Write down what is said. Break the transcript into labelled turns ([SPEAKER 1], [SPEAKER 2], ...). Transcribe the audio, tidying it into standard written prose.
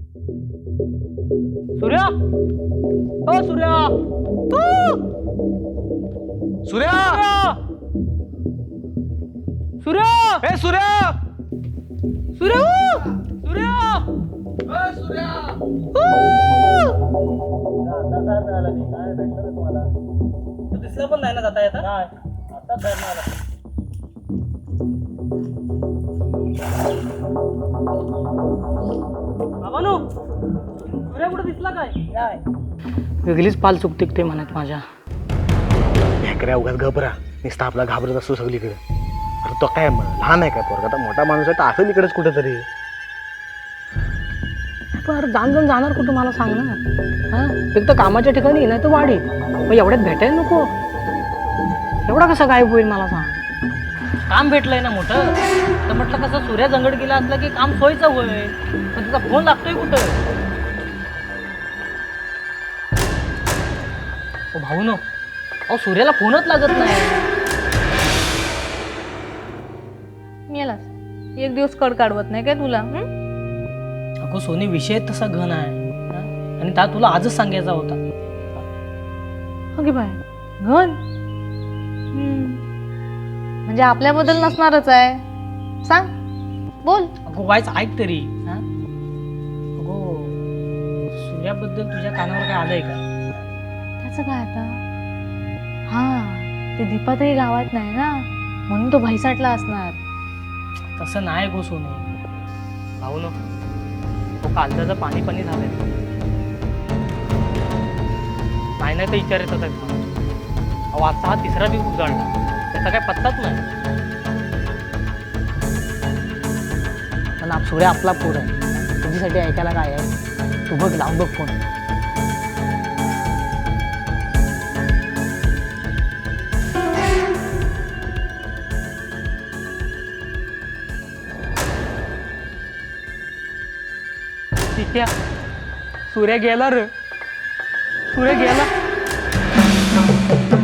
[SPEAKER 1] सूर्या, ओ सूर्या,
[SPEAKER 2] सूर्या
[SPEAKER 1] सूर्या,
[SPEAKER 2] ए सूर्या
[SPEAKER 1] सूर्या, सूर्या, दिसलं पण नाही ना जाता येता. आता बाबानो, सूर्या कुठे दिसला काय? वेगळीच पाल चुकते ते म्हणत माझ्या.
[SPEAKER 2] ढेकऱ्या उगाच घबरा नुसता आपला घाबरत असतो सगळीकडे. अरे तो काय लहान आहे काय पोरगा, आता मोठा माणूस आहे तर असेल इकडेच कुठेतरी.
[SPEAKER 1] पण जाण जाणार कुठं मला सांग ना. हा, एक तर कामाच्या ठिकाणी नाही तर वाडी, मग एवढ्यात भेटायला नको. एवढा कसा गायब होईल मला सांग. काम भेटलंय ना मोठं, तर म्हटलं कसं सूर्या जंगड गेला असला की काम सोयीचं होईल. पण तिचा फोन लागतोय कुठं? ओ भाऊ नो, अहो सूर्याला फोनच लागत नाही.
[SPEAKER 3] मेलास एक दिवस कड काढवत नाही काय तुला?
[SPEAKER 1] अगो सोनी, विषय तसा घन आहे हा? आणि त्या तुला आजच सांगायचा होता.
[SPEAKER 3] ओके बाय घन म्हणजे आपल्याबद्दल नसणारच आहे. सांग, बोल.
[SPEAKER 1] अगो वायच ऐक तरी. हा, अगो सूर्याबद्दल तुझ्या कानावर काय आलंय का?
[SPEAKER 3] त्याचं काय आता? हा, ते दीपातही गावात नाही ना, म्हणून तो भैसाटला असणार.
[SPEAKER 1] तसं नाही गो सोनी. भाऊ नो, तो कालचं पाणी पाणी झालंय. नाही तर विचार येतात मला. अहो आजचा हा तिसरा दिवस उजाडला, त्याचा काय पत्ताच नाही. पण सूर्या आपला पोर आहे, तुझ्यासाठी ऐकायला काय आहे. तू बघ, लावून बघ फोन. ठीक आहे, सूर्या गेला रे, सूर्या गेला.